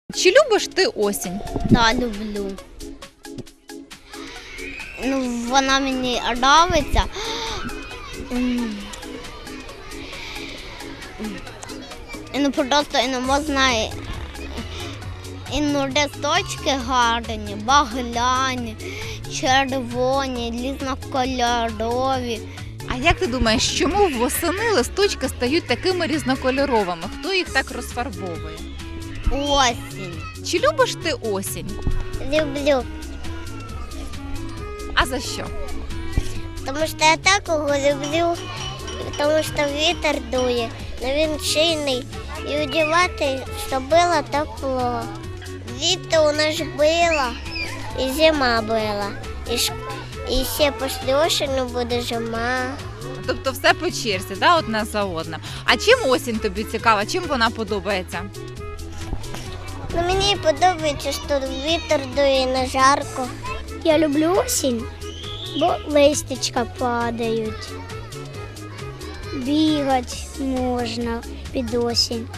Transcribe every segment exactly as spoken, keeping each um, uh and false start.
Чи любиш ти осінь? Да, люблю. Ну, вона мені подобається. М. Ну, просто і не можна і, і ну, листочки гарні, багляні, червоні, різнокольорові. А як ти думаєш, чому восени листочки стають такими різнокольоровими? Хто їх так розфарбовує? Осінь. Чи любиш ти осінь? Люблю. А за що? Тому що я такого люблю, тому що вітер дує, але він сильний і одягати, щоб було тепло. Літо у нас було, і зима була, і, ш... і ще після осені буде зима. Тобто все по черзі, да, одна за одним. А чим осінь тобі цікава? Чим вона подобається? Ну, мені подобається, що вітер дує, не жарко. Я люблю осінь, бо листячка падають. Бігати можна під осінь.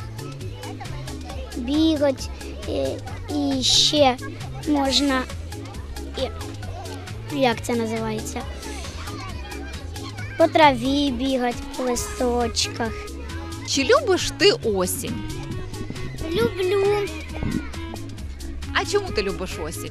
Бігати і, і ще можна, і, як це називається, по траві бігати, по листочках. Чи любиш ти осінь? Люблю. А чому ти любиш осінь?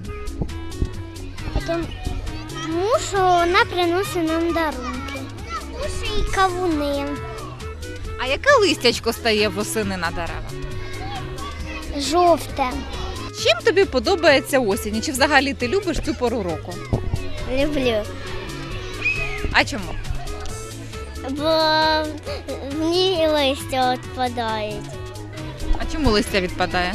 Тому що вона приносить нам дарунки. Ось і кавуни. А яке листячко стає восени на деревах? Жовте. Чим тобі подобається осінь? І чи взагалі ти любиш цю пору року? Люблю. А чому? Бо в ній листя відпадають. А чому листя відпадає?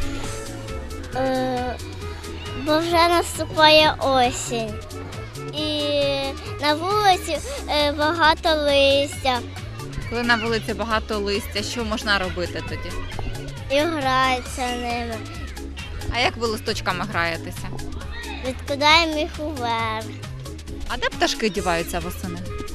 Е, бо вже наступає осінь. І на вулиці е, багато листя. Коли на вулиці багато листя, що можна робити тоді? І граються ними. А як ви листочками граєтеся? Відкидаємо їх уверх. А де пташки діваються восени?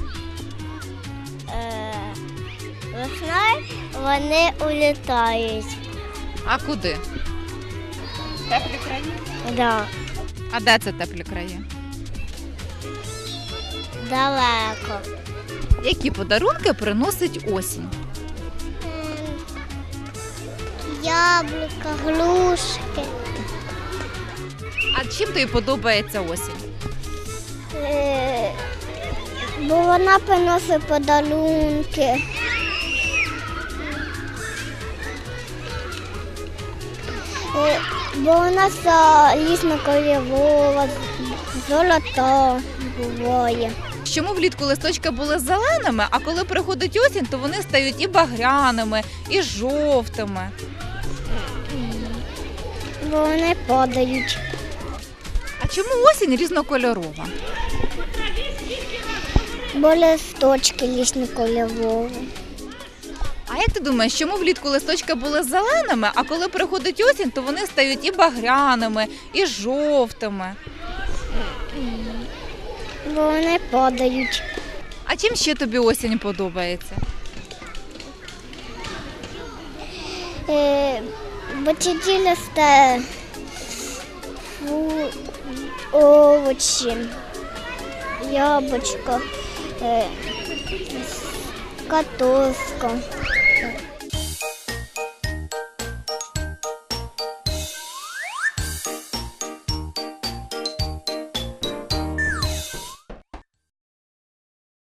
Е, весною вони улітають. А куди? Теплі краї? Да. А де це теплі краї? Далеко. Які подарунки приносить осінь? Яблука, глушки. А чим тобі подобається осінь? Е, бо вона приносить подарунки. Е, бо вона різнокольорова, золота буває. Чому влітку листочки були зеленими, а коли приходить осінь, то вони стають і багряними, і жовтими? Бо вони падають. А чому осінь різнокольорова? Бо листочки різнокольорові. А як ти думаєш, чому влітку листочки були зеленими, а коли приходить осінь, то вони стають і багряними, і жовтими? Бо вони падають. А чим ще тобі осінь подобається? Е, бо тоді росте фу- овочі, яблучко, е, картошка.